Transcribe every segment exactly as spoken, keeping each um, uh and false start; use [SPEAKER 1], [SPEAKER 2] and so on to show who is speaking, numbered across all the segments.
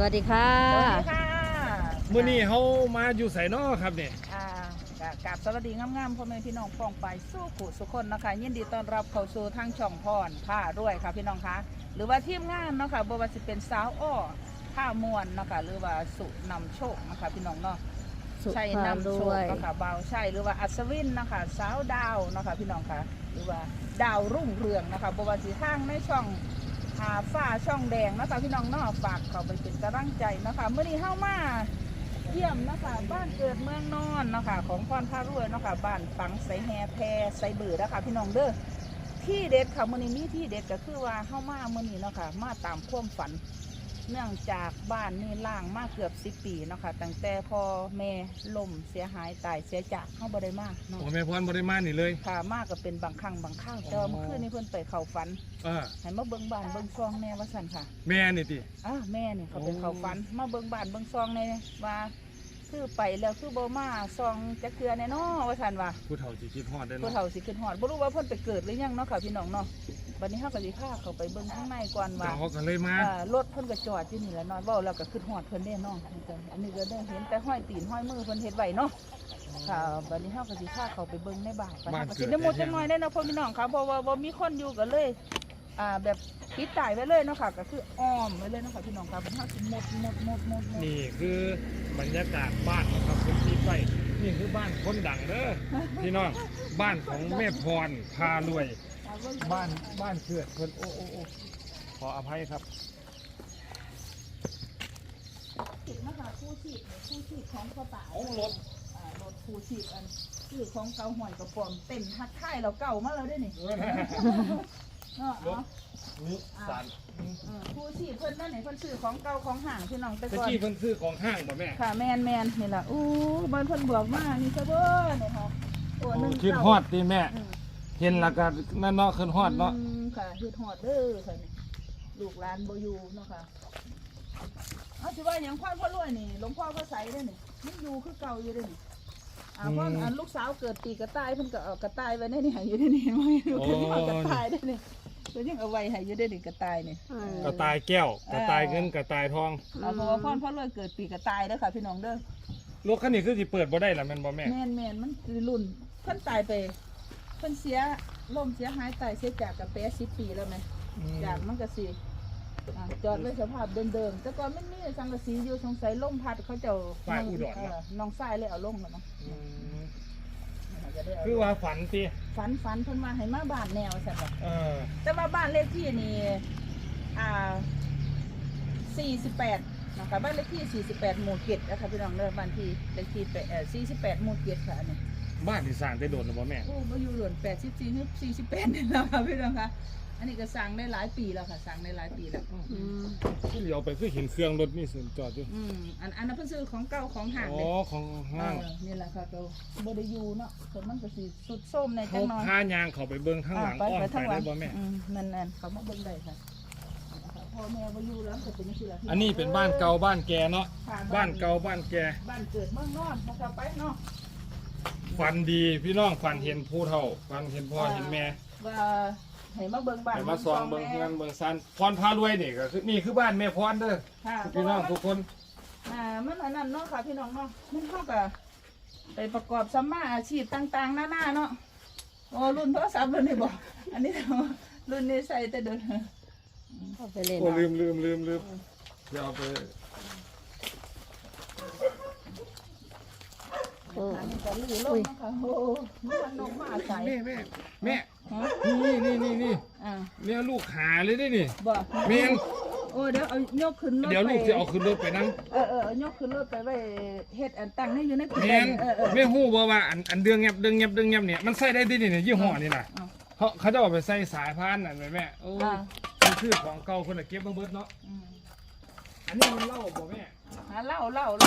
[SPEAKER 1] วัสดีค่ะ
[SPEAKER 2] สวัสดีค่ะ
[SPEAKER 3] มื้อนี้เฮามาอยู่ไสน้อครับเนี่ย
[SPEAKER 2] อ่ากราบสวัสดีงามๆพ่อแม่พี่น้องป้องไปสู้ขุสุคนนะคะยินดีต้อนรับเข้าสู่ทางช่องพรผ้าด้วยค่ะพี่น้องคะหรือว่าทีมงานเนาะค่ะบ่ว่าสิเป็นสาวอ้อผ้ามวนเนาะค่ะหรือว่าสุนำโชคนะคะพี่น้องเนาะใช่นำโชคเนาะค่ะเบาใช่หรือว่าอัศวินนะคะสาวดาวเนาะค่ะพี่น้องคะหรือว่าดาวรุ่งเรืองนะคะบ่ว่าสิทางในช่องหาฝ้าช่องแดงนะคะพี่น้องเนาะฝากเขาไปเป็นกำลังใจนะคะเมื่อนี้เข้ามาเยี่ยมนะคะบ้านเกิดเมืองนอนนะคะของพรพารวยนะคะบ้านฝังใส่แฮแพใส่เบื่อนะคะพี่น้องเด้อที่เด็ดค่ะมื่อนี้มีที่เด็ดก็คือว่าเข้ามาเมื่อนี้เนาะค่ะมาตามความฝันเนื่องจากบ้านนี่ล่างมาเกือบสิบปีเนาะค่ะตั้งแต่พอแม่ล่มเสียหายตายเสียจากเข้าบ่ได้มากเนาะ
[SPEAKER 3] โอ้แม่พรบ่ได้มานี่เลย
[SPEAKER 2] ค่ะมากก็เป็นบางครั้งบางคราวแต่ว่าเมื่อคืนนี้เพิ่นไปเข้าฝัน
[SPEAKER 3] เออ
[SPEAKER 2] ให้มาเบิ่งบ้านเบิ่งซองแน่ว่าสั่นค่ะ
[SPEAKER 3] แม่นี่ติ
[SPEAKER 2] อ่าแม่เนี่ยเขาเป็นเขาฝันมาเบิ่งบ้านเบิ่งซองในว่าคือไปแล้วคือบ่มาซองจะเกลือแน่นอว่าซั่นว่า
[SPEAKER 3] ผู้เฒ่าสิคิดฮอดได้
[SPEAKER 2] ผู้
[SPEAKER 3] เนาะ
[SPEAKER 2] เฒ่าสิขึ้นฮอดบ่รู้ว่าเพิ่นไปเกิดหรือยังเนาะค่ะพี่น้องเนาะบัดนี้เฮาก็สิพาเขาไปเบิ่งข้างในก่อนว่า
[SPEAKER 3] เฮาก็เลยมา
[SPEAKER 2] อ่ารถเพิ่นก็จอดอยู่นี่แหละเนาะเว้าแล้วก็ขึ้นฮอดเพิ่นแน่เนาะอันนี้ก็ได้เห็นแต่ห้อยตีนห้อยมือเพิ่นเฮ็ดไว้เนาะค่ะบัดนี้เฮาก็สิพาเขาไปเบิ่งในบ้านไปก็สิได้หมดจังหน่อยได้เนาะพ่อพี่น้องค่ะเพราะว่าบ่มีคนอยู่ก็เลยอ่าแบบปิดตายไว้เลยเนาะค่ะก็คืออ้อมไว้เลยเนาะค่ะพี่น้องค่ะมันเฮาสิหมดหมดหมดหมด
[SPEAKER 3] นี่คือบรรยากาศบ้านนะครับผมที่ไปนี่คือบ้านคนดังเด้อพี่น้องบ้านของแม่พรพารวยบ้านบ้านเกิดเพิ่นโอ้โอ้โอ้ขออภัยครับ
[SPEAKER 2] ติดนะคะผู้ชีพผู้ชีพของกระเป๋า
[SPEAKER 3] เอารถ
[SPEAKER 2] อ่ารถผู้ชีพอันคือของเก่าหอยกระป๋อมเต็มทักทายเราเก่ามาแล้วด้วยนี่เนาะ
[SPEAKER 3] รถนี่สาร
[SPEAKER 2] ผู้ชีพเพิ่นนั่นนี่เพิ่นซื้อของเก่าของห่างพี่น้องแต่ก่อน
[SPEAKER 3] ตะกี้เพิ่นซื้อของห้างบ่แม่
[SPEAKER 2] ค่ะแมนแมนนี่ล่ะอู้บ้านเพิ่นบอกมานี่ซะเบ้อนี่ค่ะโอ้นึง
[SPEAKER 3] คิดฮอดติแม่เห็นแล้วก็นั่นเนาะขึ้นฮอดเนาะ
[SPEAKER 2] ค่ะคิดฮอดเด้อค่ะนี่ลูกหลานบ่อยู่เนาะค่ะเอาสิว่าหยังพ่อพ่อรวยนี่หลวงพ่อพระไสเด้อนี่มันอยู่คือเก่าอยู่เด้อนี่อ่าเพราะอันลูกสาวเกิดปีกระต่ายเพิ่นก็เอากระต่ายไว้ในนี่ให้อยู่ได้นี่เห็นบ่เพิ่นเอากระต่ายได้นี่เพิ่นยังเอาไว้ให้อยู่ได้นี่กระต่ายนี่
[SPEAKER 3] กระต่ายแก้วกระต่ายเงินกระต่ายทอง
[SPEAKER 2] เอาเพราะว่าพ่อพ่อรวยเกิดปีกระต่ายเด้อค่ะพี่น้องเด้อ
[SPEAKER 3] รถคันนี้คือสิเปิดบ่ได้ล่ะแม่นบ่แม่
[SPEAKER 2] แม่นแม่นมันคือรุ่นเพิ่นตายไปเพิ่นเสียล่มเสียหายตายเสียจากกับแปดสิบปีแล้วไหมจากมันก็สิจอดไว้สภาพเดิมๆแต่ก่อนมันมีสังกะสีอยู่สงสัยล่มพัดเขาเจ้าน้องทรายเลยเอาลงแล้วมั้ง
[SPEAKER 3] คือว่าฝันติ
[SPEAKER 2] ฝันฝันเพิ่นมาให้มาบ้านแนวใช่ป่ะ
[SPEAKER 3] เออ
[SPEAKER 2] แต่ว่าบ้านเลขที่นี่อ่าสี่สิบแปดนะคะบ้านเลขที่สี่สิบแปดหมู่เจ็ดนะคะพี่น้องเด้อบ้านที่เลขที่เอ่อสี่สิบแปดหมู่เจ็ดค่ะนี่
[SPEAKER 3] บ้านที่สร้างได้โดนหรือเปล่าแม่
[SPEAKER 2] โอ้มาอยู่หล่นแปดสิบสี่ถึงสี่สิบแปดนี่แล้วค่ะพี่น้องคะอันนี้ก็สร้างได้หลายปีแล้วค่ะสร้างได้หลายปีแล้ว
[SPEAKER 1] อืม
[SPEAKER 3] ที่เลี้ยวไปคือเห็นเครื่องรถนี่สิจอดอยู่
[SPEAKER 2] อืมอันอันนั้นเพิ่นซื้อของเก่าของห่างเลย
[SPEAKER 3] อ๋อของห้าง
[SPEAKER 2] นี่แหละค่ะก็บ่ได้อยู่เนาะส่วนมันก็สิสุดส้มในจั
[SPEAKER 3] เขา
[SPEAKER 2] งน้อย
[SPEAKER 3] พายางเขาไปเบิ่งข้างหลังอ้อมไปได้บ่แม่
[SPEAKER 2] อืมนั่นๆเขามาเบิ่งได้ค่ะพ่อแม่บ่อยู่แล้วก็เป็นจังซี่ล่ะ
[SPEAKER 3] อันนี้เป็นบ้านเก่าบ้านแกเนาะบ้านเก่าบ้านแก
[SPEAKER 2] บ้านเกิดเมืองนอนนะคะไปเนาะ
[SPEAKER 3] ฝันดีพี่น้องฝันเห็นผู้เฒ่าฝันเห็นพ่อเห็นแม่
[SPEAKER 2] ว่าให้มาเบิ่งบ้าน
[SPEAKER 3] ให้มาซองเบิ่งเงินเบิ่งซันพรพารวยนี่ก็คือนี่คือบ้านแม่พรเด้อพี่น้องทุกคน
[SPEAKER 2] อ่ามันอันนั้นเนาะค่ะพี่น้องเนาะมันเข้ากับไปประกอบสัมมาอาชีพต่างๆหน้าๆเนาะโอ้รุ่นโทรศัพท์รุ่นนี้บอกอันนี้รุ่นนี้ใส่แต่เดิน
[SPEAKER 1] เข้าไปเล่น
[SPEAKER 3] โอ้ลืมลืมลืมลืมเดี๋ยวเอาไป
[SPEAKER 2] โอ้ยจะลื้อลงนะคะโอ้มันนกมาใส่
[SPEAKER 3] แม่แม่แม่นี่นี่นี่นี่เนี่ยลูกขาเลยได้นี่
[SPEAKER 2] บ่
[SPEAKER 3] แม่
[SPEAKER 2] โอ้เดี๋ยวเอายกขึ้นรถ
[SPEAKER 3] เดี๋ยวลูกจะเอาขึ้นรถไปนั่ง
[SPEAKER 2] เออเออยกขึ้นรถไปไว้เฮ็ดอันตั้งให้อยู่ใน
[SPEAKER 3] แม่แม่ฮู้บ่ว่าอันอันเดืองเงียบเดืองเงียบเดืองเงียบเนี่ยมันใส่ได้ที่นี่เนี่ยยี่ห้อนี่น่ะเขาเขาจะเอาไปใส่สายพานนั่นแม่โอ้มันคือของเก่าคนละเก็บเบิดเนาะอันนี้มันเล่าบ่แม่
[SPEAKER 2] เล่าเล่าเล่า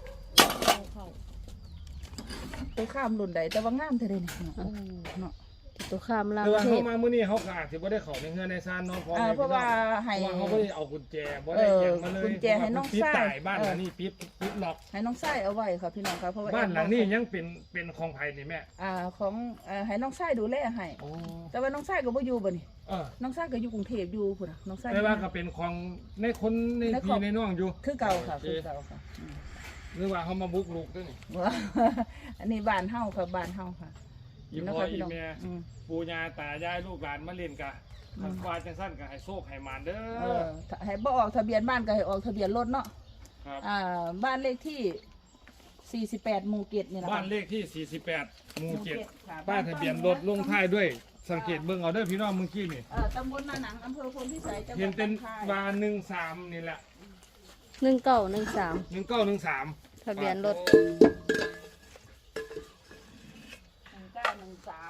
[SPEAKER 2] ไปข้ามรุ่นใดแต่ว่างามเท่าใดนี่เนาะ
[SPEAKER 1] ตุคามราม
[SPEAKER 3] แต่ว่า
[SPEAKER 1] เท
[SPEAKER 3] เขา
[SPEAKER 1] พ
[SPEAKER 3] มามื้อนี้เขาก็อาจสิบ่ได้เข้าในเฮือนในซานเนาะเพราะ
[SPEAKER 2] อ่าเพราะว่าให้
[SPEAKER 3] เพราะว่าเขาบ่ได้เอากุญแจบ่ได้หยังมาเลย
[SPEAKER 2] เออกุญแจให้น้อง
[SPEAKER 3] ปิด
[SPEAKER 2] ชาย
[SPEAKER 3] ตายบ้านหลังนี้ปิดปิดล็อก
[SPEAKER 2] ให้น้องไส้เอาไว้ค่ะพี่น้องค่ะเพราะว่า
[SPEAKER 3] บ้านหลังนี้ยังเป็นเป็นของไผนี่แม่
[SPEAKER 2] อ่าของอ่าให้น้องไส้ดูแลให้
[SPEAKER 3] โอ้
[SPEAKER 2] แต่ว่าน้องไส้ก็บ่อยู่บ่นี่
[SPEAKER 3] เออ
[SPEAKER 2] น้องไส้ก็อยู่กรุงเทพอยู่พุ่นน่ะน้องไส้
[SPEAKER 3] แต่ว่าก็เป็นของในคนใน
[SPEAKER 2] ในคร
[SPEAKER 3] พี่
[SPEAKER 2] อบ
[SPEAKER 3] ในน้องอยู่
[SPEAKER 2] คือเก่าค่ะ
[SPEAKER 3] โอ
[SPEAKER 2] คือเก่าค่ะอืม
[SPEAKER 3] หรือว่าเขามาบุกรุกด้วยนี่
[SPEAKER 2] ว่า อันนี้บ้านเฮาค่ะบ้านเฮาค่ะ
[SPEAKER 3] อีพ่อ
[SPEAKER 2] นะคะ
[SPEAKER 3] อี
[SPEAKER 2] พี่น้อง
[SPEAKER 3] แม่
[SPEAKER 2] อืม
[SPEAKER 3] ปู่ย่าตายายลูกหลานมาเล่นกะ
[SPEAKER 2] อืม
[SPEAKER 3] คันฟ้าจังสั้นก็ให้โชคให้หมานเด้
[SPEAKER 2] เอ
[SPEAKER 3] อ
[SPEAKER 2] อถ้าให้บ่ออกทะเบียนบ้านก็ให้ออกทะเบียนรถเนาะ
[SPEAKER 3] ครับ
[SPEAKER 2] อ่าบ้านเลขที่สี่สิบแปดหมู่เจ็ดนี่แหละ
[SPEAKER 3] บ้า
[SPEAKER 2] ค่ะ
[SPEAKER 3] นเลขที่สี่สิบแปดหมู่เจ็ด
[SPEAKER 2] ค่ะ
[SPEAKER 3] ป้ายทะเบียนรถลงท้ายด้วยสังเกตเบิ่งเอาเด้อพี่น้องเมื่อกี้นี่
[SPEAKER 2] เอ่อตำบลนาหนังอำเภอพลพิสัยจังหวัด
[SPEAKER 3] เห็นเป็น
[SPEAKER 2] หองคาย
[SPEAKER 3] วาหนึ่งสามนี่แหละ
[SPEAKER 1] หนึ่งเก้าหนึ่งสาม
[SPEAKER 3] หนึ่งเก้าหนึ่งสาม
[SPEAKER 1] ทะเบียนรถ
[SPEAKER 2] หนึ่งเก้าหนึ่งสาม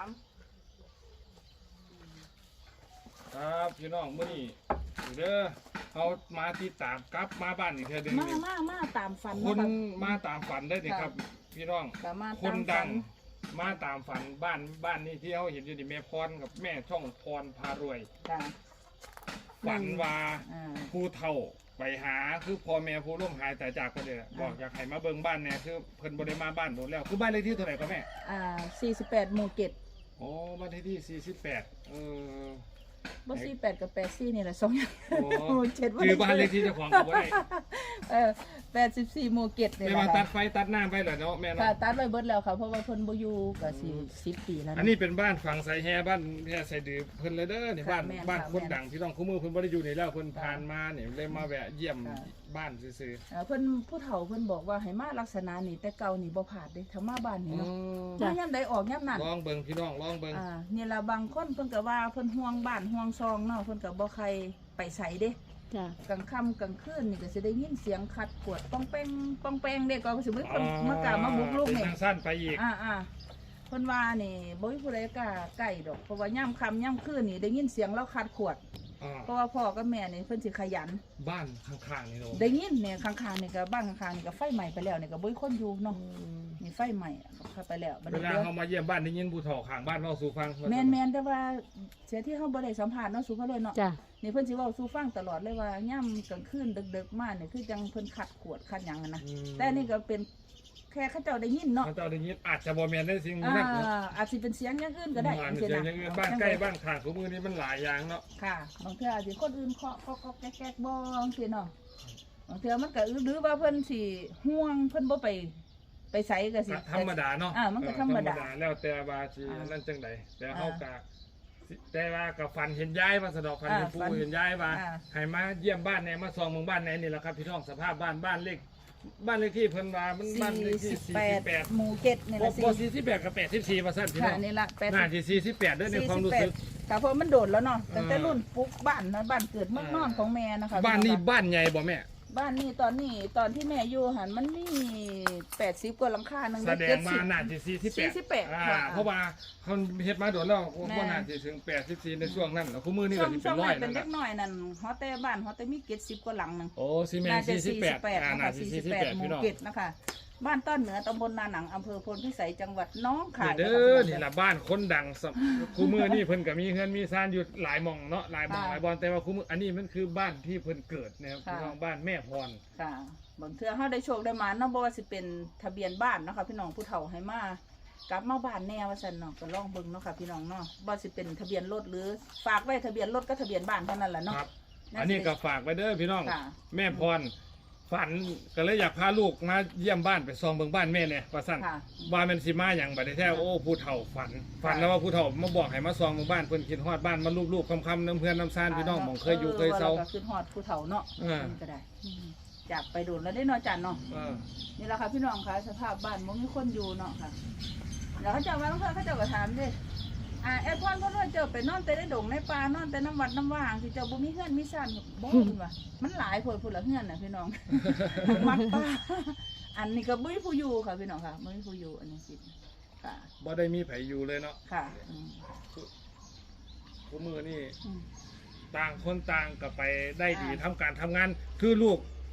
[SPEAKER 3] ครับพี่น้องมื้อนี้เด้อเขามาติดตามกลับมาบ้านอีกเทื่อหนึง
[SPEAKER 2] มา
[SPEAKER 3] นี่
[SPEAKER 2] มามาตามฝัน
[SPEAKER 3] คน
[SPEAKER 2] เนาะ
[SPEAKER 3] มาตามฝันได้ดิครับ พี่น้อง
[SPEAKER 2] ค่ะมา
[SPEAKER 3] ค
[SPEAKER 2] ตาน ม
[SPEAKER 3] ดั
[SPEAKER 2] ฝั
[SPEAKER 3] ง
[SPEAKER 2] น
[SPEAKER 3] มาตามฝันบ้านบ้านนี้ที่เขาเห็นอยู่นี่แม่พรกับแม่ช่องพรพารวย
[SPEAKER 2] ค่ะ
[SPEAKER 3] ฝันว่า
[SPEAKER 2] อ่า
[SPEAKER 3] ผู้เฒ่าไปหาคือพ่อแม่ผู้ร่วมหายแต่จากกันเลยบอกอยากให้มาเบิ่งบ้านแน่คือเพิ่นบ่ได้มาบ้านโดนแล้วคือบ้านเลขที่เท่าไหร่ก็แม่
[SPEAKER 2] อ่าสี่สิบแปดหมู่เจ็ด
[SPEAKER 3] โอ้บ้านเลขที่สี่สิบแปดเออ
[SPEAKER 2] บ่สี่แปดกับแปดสี่นี่แหละสองอย่าง
[SPEAKER 3] โอ้
[SPEAKER 2] หมู่เจ็ด
[SPEAKER 3] คือบ้านเลขที่เจ้าของก็บ่ได้
[SPEAKER 2] เออแปดสิบสี่หมู่เจ็ดนี่
[SPEAKER 3] แม่
[SPEAKER 2] แห
[SPEAKER 3] มา
[SPEAKER 2] ละ
[SPEAKER 3] ตั
[SPEAKER 2] ค่ะ
[SPEAKER 3] ดไฟตัดน้ำไปเหรอเนาะแม่
[SPEAKER 2] ค่ะ
[SPEAKER 3] เนาะ
[SPEAKER 2] ตัดไว้เบิดแล้วค่ะเพราะว่าเพิ่นบ่อยู่ก็สิสิบปีแล้ว
[SPEAKER 3] อัน
[SPEAKER 2] เนาะ
[SPEAKER 3] นี้เป็นบ้านฝั่งไสแฮบ้านแฮ่ไสดือเพิ่นเลยเด้อนี่
[SPEAKER 2] ค่ะ
[SPEAKER 3] บ้าน
[SPEAKER 2] แม่น
[SPEAKER 3] บ้าน
[SPEAKER 2] ค่ะ
[SPEAKER 3] คน
[SPEAKER 2] แม่น
[SPEAKER 3] ดังที่ต้องคู่มือเพิ่นบ่ได้อยู่นี่แล้วเพิ่น
[SPEAKER 2] ค่ะ
[SPEAKER 3] ผ่านมาเนี่ยเลยมาแวะเยี่ยม
[SPEAKER 2] ค่ะ
[SPEAKER 3] บ้านซื่อ
[SPEAKER 2] เอ่อเพิ่นผู้เฒ่าเพิ่นบอกว่าให้มาลักษณะนี้แต่เก่านี่บ่ผาดเด้ถ้ามาบ้าน
[SPEAKER 3] ๆ
[SPEAKER 2] นี่
[SPEAKER 3] อ๋อ
[SPEAKER 2] เนาะมายามใดออกยามนั้น
[SPEAKER 3] ลองเบิ่งพี่น้องลองเบิ่ง
[SPEAKER 2] อ่านี่ล่ะบางคนเพิ่นก็ว่าเพิ่นห่วงบ้านห่วงซองเนาะเพิ่นก็บ่ใครไปไสเด้
[SPEAKER 1] จ้ะ
[SPEAKER 2] กลางค่ำกลางคืนนี่ก็สิได้ยินเสียงขัดขวดป้องแป้งป้องแป้งเด้ก็สิมีคนมากล้ามาบุกรุก
[SPEAKER 3] เป็น
[SPEAKER 2] นี่
[SPEAKER 3] ทางสั้นไปอีก
[SPEAKER 2] อ่าอ่าเพิ่นว่านี่บ่มีผู้ใดกล้าใกล้ดอกเพราะว่ายามค่ำยามคืนนี่ได้ยินเสียงเราขัดขวด
[SPEAKER 3] อ่า
[SPEAKER 2] เพราะว่าพ่อกับแม่นี่เพิ่นสิขยัน
[SPEAKER 3] บ้านข้างๆนี่เนาะ
[SPEAKER 2] ได้ยินเนี่ยข้างๆนี่ก็บ้านข้างๆนี่ก็ไฟไหม้ไปแล้วนี่ก็บ่มีคนอยู่เนาะนี่ไฟไหม้เข้าไปแล้วบัด
[SPEAKER 3] เว
[SPEAKER 2] นี้
[SPEAKER 3] ลา
[SPEAKER 2] เดี๋ยว
[SPEAKER 3] เขามาเยี่ยมบ้านได้ยินผู้เฒ่าข้างบ้านเว้าสู่ฟัง
[SPEAKER 2] แม่นแม่นแต่ว่าเสียที่เฮาบ่ได้สัมภาษณ์เนาะสุภาพเลยเนาะ
[SPEAKER 1] จ้ะ
[SPEAKER 2] นี่เพิ่นสิเว้าสู่ฟังตลอดเลยว่าย่ำกลางคืนดึกๆมาเนี่ยคือจังเพิ่นขัดขวดขัดหยังอะนะ
[SPEAKER 3] อืม
[SPEAKER 2] แต่นี่ก็เป็นแค่เขาเจ้าได้ยินเนาะ
[SPEAKER 3] เขาเจ้าได้ยินอาจจะบ่แม่นได้สิ่ง
[SPEAKER 2] อ่า
[SPEAKER 3] นั้นเนาะ
[SPEAKER 2] อาจสิเป็นเสียงอย่างอื่นก็ได้
[SPEAKER 3] อาจ
[SPEAKER 2] จัง
[SPEAKER 3] จะ
[SPEAKER 2] ซี่
[SPEAKER 3] อย่างอื่น
[SPEAKER 2] นะ
[SPEAKER 3] บ้านใกล้บ้านข้างของมือนี้มันหลายอย่างเนาะ
[SPEAKER 2] ค่ะบางเทื่ออาจสิคนอื่นเคาะเคาะๆแก๊กๆบ่จังซี่เนาะบางเทื่อมันก็หรือว่าเพิ่นสิห่วงเพิ่นบ่ไปไปไสก็สิ
[SPEAKER 3] ธรรมดาเนาะ
[SPEAKER 2] อ่ามันก็ธรรมดา
[SPEAKER 3] แล้วแต่ว่าสิ
[SPEAKER 2] อ่า
[SPEAKER 3] นั่นจังใดแต่
[SPEAKER 2] อ่า
[SPEAKER 3] เฮาก็สิแต่ว่าก็ฝันเห็นยายว่าสะดอกฝันเห็น
[SPEAKER 2] อ่า
[SPEAKER 3] ปู่
[SPEAKER 2] ฝัน
[SPEAKER 3] เห็นยายว่า
[SPEAKER 2] อ่า
[SPEAKER 3] ให้มาเยี่ยมบ้านแหน่มาส่องเมืองบ้านแหน่นี่แหละครับพี่น้องสภาพบ้านบ้านเลขบ้านเลขที่เพิ่นว่ามันบ้านเลขที่
[SPEAKER 2] สี่สิบ
[SPEAKER 3] สี่
[SPEAKER 2] แป
[SPEAKER 3] สิ
[SPEAKER 2] ด
[SPEAKER 3] บแปด
[SPEAKER 2] หมู่เจ็ดนี่
[SPEAKER 3] บ่
[SPEAKER 2] ล่ะสิ
[SPEAKER 3] บ่สี่สิบแปดกับแปดสิบสี่ว่าซั่นพี่น้
[SPEAKER 2] ค่ะ
[SPEAKER 3] อง
[SPEAKER 2] นี่ล่ะแปด
[SPEAKER 3] น่าสิสี่สิบแปดเด้อในความรู้สึก
[SPEAKER 2] ค่ะเพราะมันโดดแล้วเนาะตั้งแต่
[SPEAKER 3] อ่ารุ่
[SPEAKER 2] รุ่นปุ๊กบ้านนะบ้านเกิดเมืองนอนของแม่นะคะ
[SPEAKER 3] บ้านนี้
[SPEAKER 2] พี่องคะ
[SPEAKER 3] บ้านใหญ่บ่แม่
[SPEAKER 2] บ้านนี้ตอนนี้ตอนที่แม่อยู่หันมันมีแปดสิบกว่าหลังคาหนึง
[SPEAKER 3] แสดงว่า
[SPEAKER 2] เจ็ดสิบ
[SPEAKER 3] น่าจะสี่สิบแปด
[SPEAKER 2] สี่สิบแปด
[SPEAKER 3] อ่า
[SPEAKER 2] ค่ะ
[SPEAKER 3] เพราะว่าเขาเฮ็ดมาโดนแล้ว
[SPEAKER 2] แม่
[SPEAKER 3] ว่าน่าจะถึงแปดสิบสี่ในช่วงนั้นแล้วคู่มือนี่
[SPEAKER 2] ช่
[SPEAKER 3] ก็
[SPEAKER 2] วง
[SPEAKER 3] สิ
[SPEAKER 2] ช่
[SPEAKER 3] เป็
[SPEAKER 2] วน ง
[SPEAKER 3] ร้อ
[SPEAKER 2] นั้
[SPEAKER 3] ย
[SPEAKER 2] นเป็น
[SPEAKER 3] นั่น
[SPEAKER 2] เล็
[SPEAKER 3] น่ะ
[SPEAKER 2] กน้อยนั่นฮอแต่บ้านฮอแต่มีเจ็ดสิบกว่าหลังหนึง
[SPEAKER 3] โอ้ซีเมน
[SPEAKER 2] น่าจะ
[SPEAKER 3] สี่สิบ
[SPEAKER 2] สี่
[SPEAKER 3] แป
[SPEAKER 2] สิ
[SPEAKER 3] ด
[SPEAKER 2] บแปด
[SPEAKER 3] อ่า
[SPEAKER 2] นะ
[SPEAKER 3] น่า
[SPEAKER 2] คะ
[SPEAKER 3] จะ
[SPEAKER 2] สี่
[SPEAKER 3] สี่
[SPEAKER 2] สิบ
[SPEAKER 3] สิบ
[SPEAKER 2] แปด
[SPEAKER 3] แปด
[SPEAKER 2] หมู่
[SPEAKER 3] พี่น้อง
[SPEAKER 2] เจ็ดนะคะ บ้านต้นเหนือตำบลนาหนังอำเภอพลพิสัยจังหวัดน้องคาย
[SPEAKER 3] เด้อนี่ล่ะบ้านคนดังสำคู่มือนี่เพิ่นก็มีเฮือนมีซ่านอยู่หลายหม่องเนาะหลายหม่องหลายบอนแต่ว่าคู่มืออันนี้มันคือบ้านที่เพิ่นเกิดนะครับพี่น้องบ้านแม่พร
[SPEAKER 2] ค่ะบางเทื่อเฮาได้โชคได้มาเนาะบ่ว่าสิเป็นทะเบียนบ้านเนาะค่ะพี่น้องผู้เฒ่าให้มากลับมาบ้านแน่ว่าซั่นเนาะก็ลองเบิ่งเนาะค่ะพี่น้องเนาะบ่สิเป็นทะเบียนรถหรือฝากไว้ทะเบียนรถก็ทะเบียนบ้านเท่านั้นแหละเนาะ
[SPEAKER 3] ครับ อันนี้ก็ฝากไว้เด้อพี่น้อง
[SPEAKER 2] ค่ะ
[SPEAKER 3] แม่พรฝันก็เลยอยากพาลูกมาเยี่ยมบ้านไปซองเบิ่งบ้านแม่เนี่ยว่าซั่น
[SPEAKER 2] ค่ะ
[SPEAKER 3] ว่ามันสิมาอย่างบัดนี้แท้โอ้ผู้เฒ่าฝัน ฝันแล้วว่าผู้เฒ่ามาบอกให้มาซองหมู่บ้านเพิ่นคิดฮอดบ้านมารูปๆคำๆน้ำเพื่อนน้ำซ่านพี่น้องหมองเคยอยู่เคยเซา
[SPEAKER 2] ออแล้วก็ขึ้นฮอดผู้เฒ่าเนาะ
[SPEAKER 3] เออ
[SPEAKER 2] มันก็ได้อืมจากไปโดนแล้วได้เนาะจันเนาะ
[SPEAKER 3] เออ
[SPEAKER 2] นี่แหละค่ะพี่น้องค่ะสภาพบ้านบ่มีคนอยู่เนาะค่ะแล้วเขาเจ้ามาแล้วเขาเจ้าก็ถามเด้อ่าแอดพรเพิ่นว่าเจ้าไปนอนแต่ในดงในป่านอนแต่น้ำวัดน้ำว่างสิเจ้าบ่มีเฮือนมีซ่านบ่เพิ่นว่ามันหลายโพดพุ่นละเฮือนน่ะพี่น้อง วัดป่าอันนี้ก็บ่มีผู้อยู่ค่ะพี่น้องค่ะบ่มีผู้อยู่อันนี้สิค่ะ
[SPEAKER 3] บ่ได้มีไผอยู่เลยเนาะ
[SPEAKER 2] ค่ะอืม
[SPEAKER 3] ผู้มือนี่
[SPEAKER 2] อืม
[SPEAKER 3] ต่างคนต่างก็ไปได้ดี
[SPEAKER 2] อ่า
[SPEAKER 3] ทำการทำงาน คือลูก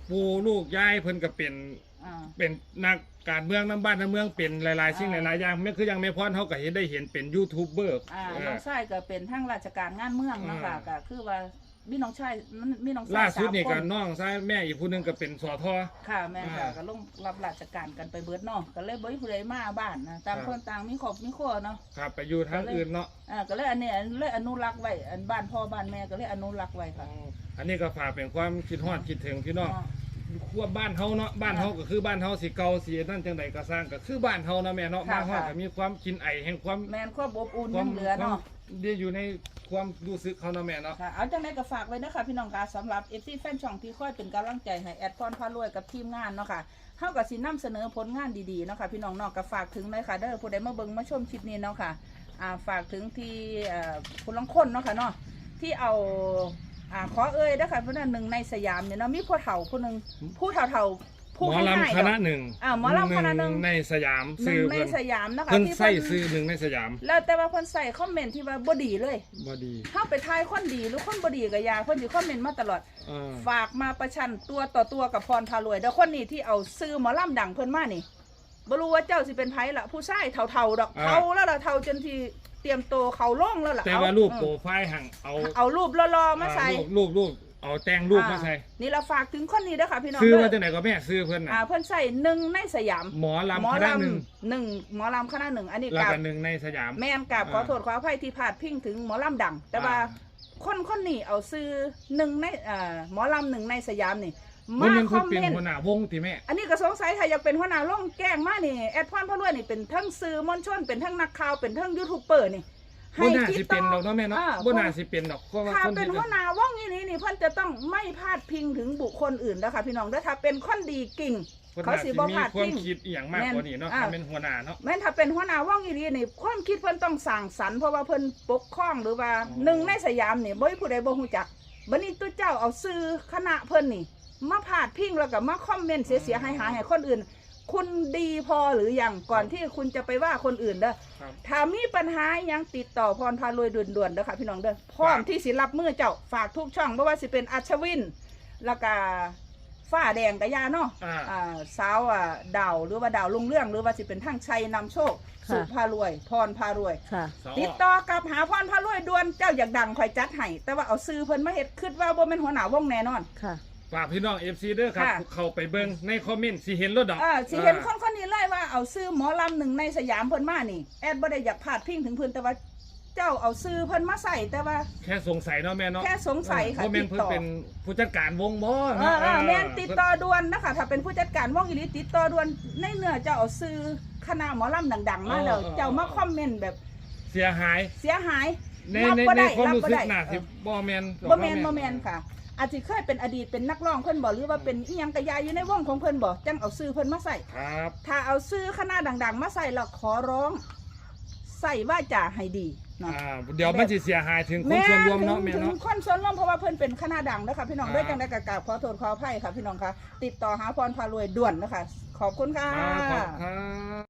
[SPEAKER 3] ปู่ลูกยายเพิ่นก็เป็น
[SPEAKER 2] อ่า
[SPEAKER 3] เป็นนักการเมืองน้ำบ้านน้ำเมืองเป็นหลายๆสิ่งห
[SPEAKER 2] อ่า
[SPEAKER 3] ลายๆอย่างไม่คือยังไม่พรเขาก็เห็นได้เห็นเป็นยูทูบเบอร์
[SPEAKER 2] อ่า
[SPEAKER 3] เอ
[SPEAKER 2] น้
[SPEAKER 3] อ
[SPEAKER 2] องชายก็เป็นทั้งราชการงานเมืองนะคะ
[SPEAKER 3] อ่า
[SPEAKER 2] ก็คือว่ามีน้องชายมีน้องชาย
[SPEAKER 3] ล่าสุด
[SPEAKER 2] สม
[SPEAKER 3] นี่
[SPEAKER 2] ค
[SPEAKER 3] ก็น้องชายแม่อีกผู้หนึงก็เป็นสอทอ
[SPEAKER 2] ค่ะแม่นค่ะ
[SPEAKER 3] อ่า
[SPEAKER 2] ก็ลงรับราชการกันไปเบิดเนาะก็เลยบ่มีผู้ใดมาบ้านนะต่าง
[SPEAKER 3] ครับ
[SPEAKER 2] คนต่างมีครอบมีครัวเนาะ
[SPEAKER 3] ครับไปอยู่ทางอื่นเนาะ
[SPEAKER 2] อ่าก็เลยอันนี้เลยอนุรักษ์ไว้อันบ้านพ่อบ้านแม่ก็เลยอนุรักษ์ไว้ค่ะ
[SPEAKER 3] อันนี้ก็ฝากเป็นความคิดฮอดคิดถึงพี่น้อง
[SPEAKER 2] อ๋อ
[SPEAKER 3] ขั้วบ้านเฮาเนาะบ้านเฮาก็คือบ้านเฮาสิเก่าสินั่นจังใดก็สร้างก็คือบ้านเฮานะแม่เนาะ
[SPEAKER 2] ค่ะ
[SPEAKER 3] บ้านเฮา
[SPEAKER 2] ค่ะ
[SPEAKER 3] ก็มีความกินไอแห่งความ
[SPEAKER 2] แม่นความอบอุ่น
[SPEAKER 3] ควา
[SPEAKER 2] ยั
[SPEAKER 3] ม
[SPEAKER 2] งเหลือ
[SPEAKER 3] ความ
[SPEAKER 2] เนาะ
[SPEAKER 3] เดียวอยู่ในความรู้สึกเขาเนาะแม่เนาะ
[SPEAKER 2] ค่ะเอาจังไดก็ฝากไว้นะคะพี่น้องค่ะสำหรับ เอฟ ซี แฟนช่องที่คอยเป็นกำลังใจให้แอดพรพารวยกับทีมงานเนาะค่ะเฮาก็สินำเสนอผลงานดีๆเนาะค่ะพี่น้องเนาะก็ฝากถึงเลยค่ะเด้อผู้ใดมาเบิ่งมาชมคลิปนี้เนาะค่ะอ่าฝากถึงที่เอ่อผู้ลางคนเนาะค่ะเนาะที่เอาอ่าขอเอ่ยเด้อค่ะเพราะนั้นหนึ่งในสยามเนี่ยเนาะมีผู้เฒ่าผู้หนึงผู้เฒ่าๆ
[SPEAKER 3] ห
[SPEAKER 2] ผู้
[SPEAKER 3] มอ
[SPEAKER 2] ให้ให้
[SPEAKER 3] ลำค
[SPEAKER 2] ดอก
[SPEAKER 3] ณะหนึ่ง
[SPEAKER 2] อ่าหมอลำคณะหนึ่ง
[SPEAKER 3] ในสยาม
[SPEAKER 2] หนึ่
[SPEAKER 3] ซื้
[SPEAKER 2] ง
[SPEAKER 3] อ
[SPEAKER 2] ใน
[SPEAKER 3] เพิ่น
[SPEAKER 2] สยามนะคะ
[SPEAKER 3] เพิ่น
[SPEAKER 2] ที่
[SPEAKER 3] ใส่
[SPEAKER 2] เพิ่น
[SPEAKER 3] ซื้อหนึ่งในสยาม
[SPEAKER 2] แล้วแต่ว่าเพิ่นใส่คอมเมนต์ที่ว่าบ่ดีเลย
[SPEAKER 3] บ่ดี
[SPEAKER 2] เข้าไปทายคนดีหรือคนบ่ดีกับยาเพิ่นสิคอมเมนต์มาตลอด
[SPEAKER 3] เออ
[SPEAKER 2] ฝากมาประชันตัวต่อตัวกับพรพารวยเด้อคนนี้ที่เอาซื้อหมอลำดังเพิ่นมานี่บ่รู้ว่าเจ้าสิเป็นไผล่ะผู้ชายเฒ่าๆดอกเฒ่าแล้วล่ะเฒ่าจนที่เตรียมโตวเขาล่องแล้วล่ะ
[SPEAKER 3] แต่
[SPEAKER 2] เอ
[SPEAKER 3] ว่ารูป
[SPEAKER 2] เออ
[SPEAKER 3] โปรไฟล์หั่งเอา
[SPEAKER 2] เอารูปรอๆมาใส่
[SPEAKER 3] อ่รูปรูปรูปเอาแต่งรูปมาใส่
[SPEAKER 2] อ่านี่เราฝากถึงคนนี้เด้อค่ะพี่น้อง
[SPEAKER 3] ซื้อ
[SPEAKER 2] เด้
[SPEAKER 3] มา
[SPEAKER 2] อ
[SPEAKER 3] จากไหนก็แม่ซื้อเพิ่นน่ะ
[SPEAKER 2] อ่าเพิ่นใส่หนึ่งในสยาม
[SPEAKER 3] หมอ
[SPEAKER 2] หม
[SPEAKER 3] ลำ
[SPEAKER 2] อ
[SPEAKER 3] คณะหนึ่ง
[SPEAKER 2] ลำหนึ่งหมอลำคณะหนึ่งอันนี้
[SPEAKER 3] แล้ว
[SPEAKER 2] กับ
[SPEAKER 3] ก็หนึ่งในสยาม
[SPEAKER 2] แม่นกับขอ
[SPEAKER 3] อ่า
[SPEAKER 2] โทษขออภัยที่พลาดพิงถึงหมอลำดัง แต่ว่า
[SPEAKER 3] อ่า
[SPEAKER 2] คนคนนี้เอาซื้อหนึ่งในอ่าหมอลำหนึ่งในสยามนี่
[SPEAKER 3] มั
[SPEAKER 2] มาน
[SPEAKER 3] ยัง
[SPEAKER 2] ค
[SPEAKER 3] คือ
[SPEAKER 2] อม
[SPEAKER 3] เป็น
[SPEAKER 2] เมนต์
[SPEAKER 3] หัวหน้าวงติแม่
[SPEAKER 2] อันนี้ก็สงสัยถ้าอยากเป็นหัวหน้าล่องแกล้งมานี่แอดพรพระรวยนี่เป็นทั้งสื่อมวลชนเป็นทั้งนักข่าวเป็นทั้งยูทูบเบอร์นี่
[SPEAKER 3] บ่น่าสิเป็นดอกเนาะแม่เนาะ
[SPEAKER 2] อ่
[SPEAKER 3] บ่น่าสิเป็นดอกเพราะว่า
[SPEAKER 2] ถ้า
[SPEAKER 3] คน
[SPEAKER 2] เป็น
[SPEAKER 3] ที่
[SPEAKER 2] หัวหน้าว่องนี้นี่นี่เพิ่นจะต้องไม่พลาดพิงถึงบุคคลอื่นนะคะพี่น้องเด้อถ้าเป็นคนดีกิ่ง
[SPEAKER 3] คน
[SPEAKER 2] เขา
[SPEAKER 3] น่า
[SPEAKER 2] สิ
[SPEAKER 3] สิ
[SPEAKER 2] บ่
[SPEAKER 3] มี
[SPEAKER 2] พลาด
[SPEAKER 3] ความ
[SPEAKER 2] พิง
[SPEAKER 3] คิดอีหยังมากกว่านี้เนาะ
[SPEAKER 2] แม่น
[SPEAKER 3] ถ้าเป็นหัวหน้าเนาะ
[SPEAKER 2] แม้นถ้าเป็นหัวหน้าว่องอีหลีนี่ความคิดเพิ่นต้องสร้างสรรค์เพราะว่าเพิ่นปกครองหรือว่า
[SPEAKER 3] อ๋อ
[SPEAKER 2] หนึ่งในสยามนี่บ่มีผู้ใดบ่ฮู้จักบัดนี้ตัวเจ้าเอาซื้อคณะเพิ่นนี่มาพาดพิงแล้วก็มาคอมเมนต์เสียๆหายๆให้คนอื่น คุณดีพอหรือยังก่อนที่คุณจะไปว่าคนอื่นเด้อ
[SPEAKER 3] ครับ
[SPEAKER 2] ถ้ามีปัญหาหยังติดต่อพรพารวยด่วนๆเด้อค่ะพี่น้องเด้อพร้อมที่สิรับมือเจ้าฝากทุกช่องบ่ว่าสิเป็นอัชวินแล้วก็ฟ้าแดงกะยาเนาะ
[SPEAKER 3] อ่า
[SPEAKER 2] อ่าสาวอ่ะดาวหรือว่าดาวลุงเรื่องหรือว่าสิเป็นทั้งชัยนำโชค
[SPEAKER 1] ค่ะ
[SPEAKER 2] สุพารวย พรพารวย
[SPEAKER 1] ค่ะ
[SPEAKER 3] สอ
[SPEAKER 2] ติดต่อกับหาพรพารวยด่วนเจ้าอยากดังคอยจัดให้แต่ว่าเอาซื้อเพิ่นมาเฮ็ดคิดว่าบ่แม่นหัวหน้าวงแน่นอน
[SPEAKER 1] ค่ะ
[SPEAKER 3] ฝากพี่น้อง เอฟ ซี เด้อครับ
[SPEAKER 2] ค่ะ
[SPEAKER 3] เข้าไปเบิ่งในคอมเมนต์สิเห็นรถดอก
[SPEAKER 2] อ่าสิเห็นคนคนนี้เลยว่าเอาซื้อหมอลำหนึ่งในสยามเพิ่นมานี่แอดบ่ได้อยากพาดพิงถึงเพิ่นแต่ว่าเจ้าเอาซื้อเพิ่นมาใส่แต่ว่า
[SPEAKER 3] แค่สงสัยเนาะแม่เนาะ
[SPEAKER 2] แค่สงสัยค่ะ
[SPEAKER 3] เพราะแม่น
[SPEAKER 2] ติ
[SPEAKER 3] เพิ่
[SPEAKER 2] ด
[SPEAKER 3] น
[SPEAKER 2] ต่อ
[SPEAKER 3] เป็นผู้จัดการวงบ่
[SPEAKER 2] เอ
[SPEAKER 3] เนาะ
[SPEAKER 2] อเออแม่น
[SPEAKER 3] เ
[SPEAKER 2] ติดต่อด่วนนะคะถ้าเป็นผู้จัดการวงอีหลีติดต่อด่วนในเนื้อเจ้าเอาซื้อคณะหมอลำดังๆ มาแล้วเจ้ามาคอมเมนต์แบบ
[SPEAKER 3] เสียหาย
[SPEAKER 2] เสียหาย
[SPEAKER 3] ใน
[SPEAKER 2] รับ
[SPEAKER 3] ใน
[SPEAKER 2] บ่
[SPEAKER 3] ใน
[SPEAKER 2] ได้
[SPEAKER 3] ความ
[SPEAKER 2] รับ
[SPEAKER 3] รู้
[SPEAKER 2] บ่
[SPEAKER 3] สึก
[SPEAKER 2] ได้
[SPEAKER 3] น่าสิ
[SPEAKER 2] เออ
[SPEAKER 3] บ่แม่น
[SPEAKER 2] บ่แม่นบ่แม่นค่ะ อาจจะเคยเป็นอดีตเป็นนักร้องเพิ่นบ่หรือว่าเป็นอีหยังกะยายอยู่ในวงของเพิ่นบ่จังเอาซื้อเพิ่นมาใส่
[SPEAKER 3] ครับ
[SPEAKER 2] ถ้าเอาซื้อคณะดังๆ มาใส่แล้วขอร้องใส่ว่าจะให้ดีเนาะ
[SPEAKER 3] อ่าเดี๋ยวมันสิเสียหายถึงคนส่วนรวมเนาะ
[SPEAKER 2] ถึ
[SPEAKER 3] แม่
[SPEAKER 2] งถึ
[SPEAKER 3] เนาะ
[SPEAKER 2] งคนส่วนรวมเพราะว่าเพิ่นเป็นคณะดังนะคะพี่น้อง
[SPEAKER 3] ครับ
[SPEAKER 2] ด้วยจังได้กราบขอโทษขออภัยค่ะพี่น้องค่ะติดต่อหาพรพารวยด่วนนะคะขอบคุณค่ะ
[SPEAKER 3] ครับขอบคุณครับ